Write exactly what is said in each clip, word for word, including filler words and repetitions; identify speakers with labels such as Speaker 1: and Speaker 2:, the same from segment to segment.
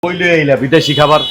Speaker 1: কইলে এইলা বিদেশি খাবার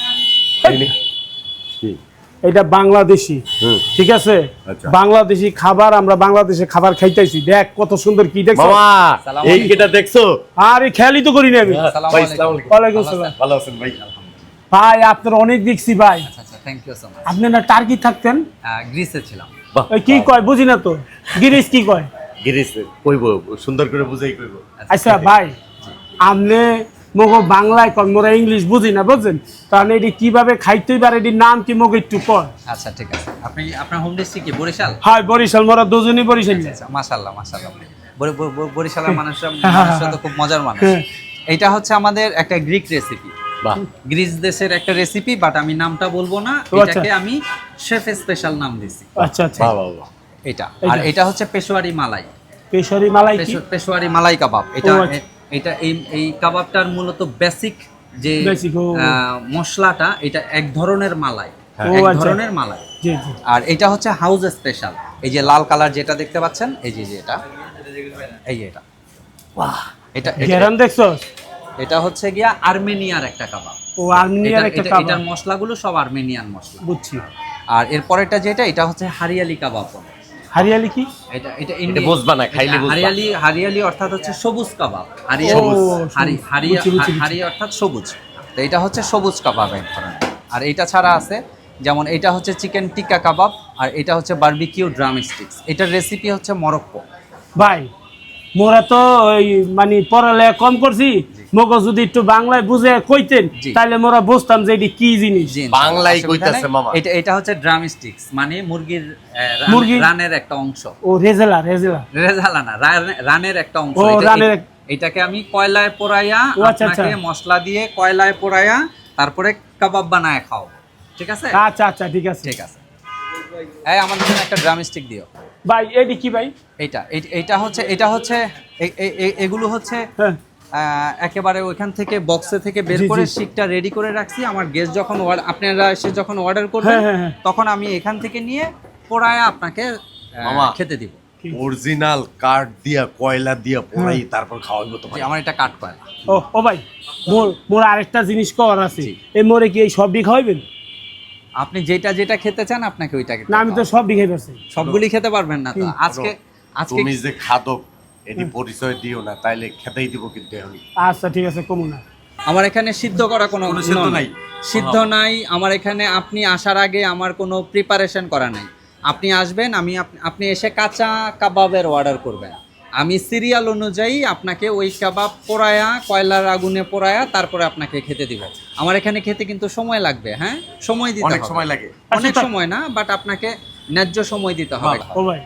Speaker 2: এটা বাংলাদেশি, ঠিক আছে? বাংলাদেশি খাবার, আমরা বাংলাদেশে খাবার খাইতেছি। দেখ কত সুন্দর, কি দেখছো
Speaker 1: মামা? এই কিটা দেখছো?
Speaker 2: আরে খেয়ালই তো করি না আমি।
Speaker 1: ভাই আসসালামু আলাইকুম।
Speaker 2: ওয়ালাইকুম আসসালাম।
Speaker 1: ভালো আছেন ভাই?
Speaker 2: ভাই আপনার অনেক দেখছি ভাই।
Speaker 3: আচ্ছা আচ্ছা, থ্যাংক ইউ সো মাচ।
Speaker 2: আপনি না টার্কি থাকতেন?
Speaker 3: গ্রিসে ছিলাম।
Speaker 2: ওই কি কয় বুঝি না তো, গিরিশ কি কয়?
Speaker 1: গিরিশ কইবো, সুন্দর করে বুঝাই কইবো।
Speaker 2: আচ্ছা ভাই, আপনি মগো বাংলায় কন, মোরা ইংলিশ বুঝি না, বুঝছেন? তাহলে এটি কিভাবে খাইতে পারে, এটির নাম কি মগো একটু কয়?
Speaker 3: আচ্ছা ঠিক আছে। আপনি আপনার হোম ডিস্ট্রিক্ট কি বরিশাল?
Speaker 2: হ্যাঁ বরিশাল, মোরা দুজনই বরিশাল।
Speaker 3: আচ্ছা মাশাআল্লাহ মাশাআল্লাহ। বরি- বরি- বরিশালের মানুষরা মানুষরা তো খুব মজার মানুষ। এটা হচ্ছে আমাদের একটা গ্রিক রেসিপি,
Speaker 1: বাহ,
Speaker 3: গ্রিস দেশের একটা রেসিপি, বাট আমি নামটা বলবো না।
Speaker 2: ও আচ্ছা।
Speaker 3: এটাকে আমি শেফ স্পেশাল নাম দিছি
Speaker 2: আচ্ছা আচ্ছা,
Speaker 1: বাহ বাহ বাহ।
Speaker 3: এটা। আর এটা হচ্ছে পেশোয়ারি মালাই,
Speaker 2: পেশারি মালাই কি?
Speaker 3: পেশো- পেশোয়ারি মালাই কাবাব। এটা
Speaker 2: ও আচ্ছা।
Speaker 3: এটা এই এই কাবাবটার মূলত বেসিক যে
Speaker 2: Basic, ও।
Speaker 3: আহ, মশলাটা, এটা এক ধরনের মালাই,
Speaker 2: ও
Speaker 3: এক
Speaker 2: আচ্ছা।
Speaker 3: ধরনের মালাই।
Speaker 2: জি জি।
Speaker 3: আর এটা হচ্ছে হাউস স্পেশাল। এই যে লাল কালার যেটা দেখতে পাচ্ছেন, এই যে যে এটা, এই যে এটা,
Speaker 2: বাহ,
Speaker 3: এটা এটা-
Speaker 2: গেরান দেখছো?
Speaker 3: এটা হচ্ছে গিয়া আর্মেনিয়ার একটা কাবাব।
Speaker 2: ও আর্মেনিয়ার
Speaker 3: এটা-
Speaker 2: একটা
Speaker 3: এটা-
Speaker 2: কাবাব,
Speaker 3: এটার মশলাগুলো সব আর্মেনিয়ান মশলা।
Speaker 2: বুঝছি।
Speaker 3: আর এরপরেরটা যেটা, এটা হচ্ছে হারিয়ালি কাবাব বলে।
Speaker 2: হারিয়ালি কি?
Speaker 3: এটা এটা
Speaker 1: এটা বুঝবা না, খাইলে বুঝবা।
Speaker 3: হারিয়ালি হারিয়ালি অর্থাৎ হচ্ছে সবুজ কাবাব। হারিয়ালি
Speaker 2: সবুজ।
Speaker 3: হারি- হারিয়া-
Speaker 2: বুঝছি, বুঝছি, বুঝছি।
Speaker 3: হারি অর্থাৎ সবুজ। তো এটা হচ্ছে সবুজ কাবাব এক ধরনের। আর এটা ছাড়া আছে, যেমন এটা হচ্ছে চিকেন টিক্কা কাবাব, আর এটা হচ্ছে বারবিকিউ ড্রাম স্টিক্স। এটার রেসিপি হচ্ছে মরক্কো।
Speaker 2: ভাই মোরা তো ওই মানে পড়ালেখা কম করছি, মগো যদি একটু বাংলায় বুঝে কইতেন
Speaker 3: জি।
Speaker 2: তাহলে মোরা বুঝতাম যে এটি কি জিনিস।
Speaker 3: জি,
Speaker 1: বাংলায়
Speaker 3: অসুবিধা
Speaker 1: কইতাছে
Speaker 3: নাই।
Speaker 1: মামা।
Speaker 3: এটা এটা হচ্ছে ড্রাম স্টিক্স, মানে মুরগির আহ, রান-
Speaker 2: মুরগির-
Speaker 3: রানের একটা অংশ।
Speaker 2: ও রেজেলা রেজেলা
Speaker 3: রেজালা না, রান- রানের একটা অংশ।
Speaker 2: ও,
Speaker 3: এটা-
Speaker 2: রানের এক-
Speaker 3: এটাকে আমি কয়লায় পোড়াইয়া,
Speaker 2: ও, আচ্ছা, আচ্ছা।
Speaker 3: আপনাকে মশলা দিয়ে কয়লায় পোড়াইয়া তারপরে কাবাব বানায় খাও। ঠিক আছে?
Speaker 2: আচ্ছা আচ্ছা, ঠিক আছে।
Speaker 3: ঠিক আছে। এই আমাদের জন্য একটা ড্রাম স্টিক দিও।
Speaker 2: ভাই এটি কি ভাই?
Speaker 3: এইটা এই- এইটা হচ্ছে এটা হচ্ছে এ- এ- এ- এগুলো হচ্ছে
Speaker 2: হ্যাঁ
Speaker 3: আহ, একেবারে ওইখান থেকে বক্সে থেকে বের
Speaker 2: জি,
Speaker 3: করে
Speaker 2: জি।
Speaker 3: শিকটা রেডি করে রাখছি। আমার গেস্ট যখন order- আপনারা এসে যখন অর্ডার করবেন,
Speaker 2: হ্যাঁ, হ্যাঁ, হ্যাঁ।
Speaker 3: তখন আমি এখান থেকে নিয়ে পোড়ায় আপনাকে আহ,
Speaker 1: মামা।
Speaker 3: খেতে দিব।
Speaker 1: অরিজিনাল কাঠ দিয়া, কয়লা দিয়া পোড়াই তারপর খাওয়াইবো
Speaker 3: জি,
Speaker 1: তোমার।
Speaker 3: আমার এটা কাট কয়লা।
Speaker 2: ও ও ভাই, মোর মোর আরেকটা জিনিস কর আছে।
Speaker 3: জি।
Speaker 2: এই মোরে কি এই সবই খাওয়াইবেন?
Speaker 3: আপনি যেটা যেটা খেতে চান আপনাকে ওইটাকে
Speaker 2: না আমি তো সবই খাই পারছি।
Speaker 3: সবগুলি খেতে পারবেন না তো।
Speaker 2: হুম।
Speaker 3: আজকে আজকে
Speaker 1: তুমি যে খাদক এটি পরিচয় দিও না, তাইলে খেতেই দিব কিন্তু এখন।
Speaker 2: আচ্ছা ঠিক আছে, কমু না।
Speaker 3: আমার এখানে সিদ্ধ করা কোনো
Speaker 1: কোনো সিদ্ধ
Speaker 3: নয়।
Speaker 1: নাই?
Speaker 3: সিদ্ধ নাই আমার এখানে। আপনি আসার আগে আমার কোনো প্রিপারেশন করা নাই। আপনি আসবেন, আমি আপ- আপনি এসে কাঁচা কাবাবের অর্ডার করবেন। আমি সিরিয়াল অনুযায়ী আপনাকে ওই কাবাব পোড়ায়া, কয়লার আগুনে পোড়ায়া তারপরে আপনাকে খেতে দিব। আমার এখানে খেতে কিন্তু সময় লাগবে। হ্যাঁ, সময় দিতে
Speaker 1: অনেক
Speaker 3: হবে।
Speaker 1: সময় লাগে।
Speaker 3: অনেক
Speaker 2: আচ্ছা,
Speaker 3: সময় না, বাট আপনাকে ন্যায্য সময় দিতে হবে।
Speaker 2: ও ভাই,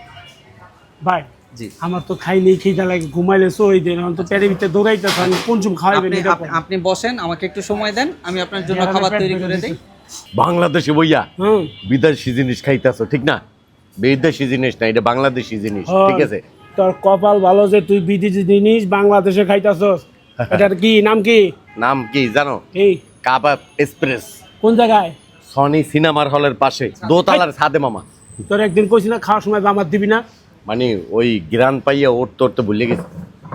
Speaker 2: ভাই
Speaker 3: জি,
Speaker 2: আমার তো খাইলেই খিদা লাগে, ঘুমাইলে সই দেন, এখন তো পেটের ভিতরে দৌড়াইতেছে, আমি কোন চুম খাওয়াইবেন
Speaker 3: আপনি
Speaker 2: এটা
Speaker 3: আপ- আপনি বসেন, আমাকে একটু সময় দেন, আমি আপনার জন্য খাবার তৈরি করে দিই।
Speaker 1: বাংলাদেশে বইয়া
Speaker 2: হুম
Speaker 1: বিদেশি জিনিস খাইতেছো, ঠিক না? বিদেশি জিনিস না, এটা বাংলাদেশি জিনিস, ঠিক আছে?
Speaker 2: তোর কপাল ভালো যে তুই বিদেশি জিনিস বাংলাদেশে খাইতাছস। এটার কি নাম কি?
Speaker 1: নাম কি জানো?
Speaker 2: এই
Speaker 1: কাবাব এক্সপ্রেস।
Speaker 2: কোন জায়গায়?
Speaker 1: সনি সিনেমার হলের পাশে দোতলার ছাদে মামা।
Speaker 2: তোর একদিন কইছি না খাওয়ার সময় আমার দিবি না?
Speaker 1: মানে ওই গ্রান পাইয়া উঠতে উঠতে ভুলে গেছি।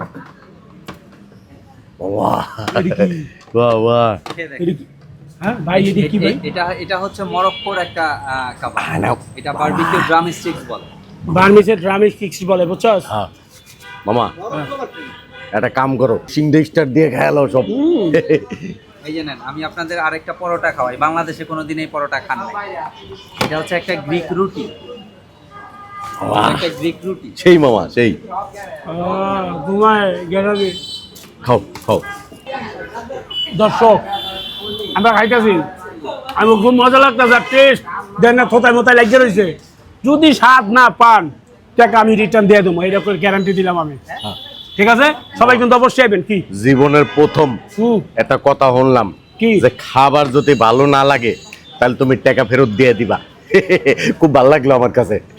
Speaker 1: বাহ
Speaker 2: এটি কি?
Speaker 1: বাহ বাহ।
Speaker 2: এটি কি? হ্যাঁ ভাই এটি কি ভাই?
Speaker 3: এ- এটা এটা হচ্ছে মরক্কোর একটা আহ, কাবাব।
Speaker 1: আহ, নাও।
Speaker 3: এটা বারবিকিউ ড্রাম স্টিক্স বলে।
Speaker 2: বার্মিসের ড্রামিস কিক্স বলে, বুঝছস?
Speaker 1: হ্যাঁ মামা, একটা কাম করো, সিংডে স্টার দিয়ে খেয়ালো সব।
Speaker 3: এই যে নেন, আমি আপনাদের আরেকটা পরোটা খাওয়াই। বাংলাদেশে কোনোদিন এই পরোটা খান নাই। এটা হচ্ছে একটা গ্রিক রুটি।
Speaker 1: বাহ,
Speaker 3: একটা গ্রিক রুটি।
Speaker 1: সেই মামা সেই।
Speaker 2: আহ, ঘুমায় গেলাবি।
Speaker 1: খাও খাও।
Speaker 2: দর্শক আমরা খাইতেছি, আমি খুব মজা লাগতেছে। টেস্ট দেন না, থোতায় মোতায় লাগিয়ে রয়েছে। যদি স্বাদ না পান টাকা আমি রিটার্ন দিয়ে দেবো, এইরকম গ্যারান্টি দিলাম আমি। ঠিক আছে, সবাই কিন্তু অবশ্যই আইবেন। কি
Speaker 1: জীবনের প্রথম
Speaker 2: হুম
Speaker 1: একটা কথা শুনলাম,
Speaker 2: কি?
Speaker 1: যে খাবার যদি ভালো না লাগে তাহলে তুমি টাকা ফেরত দিয়ে দিবা। খুব ভালো লাগলো আমার কাছে।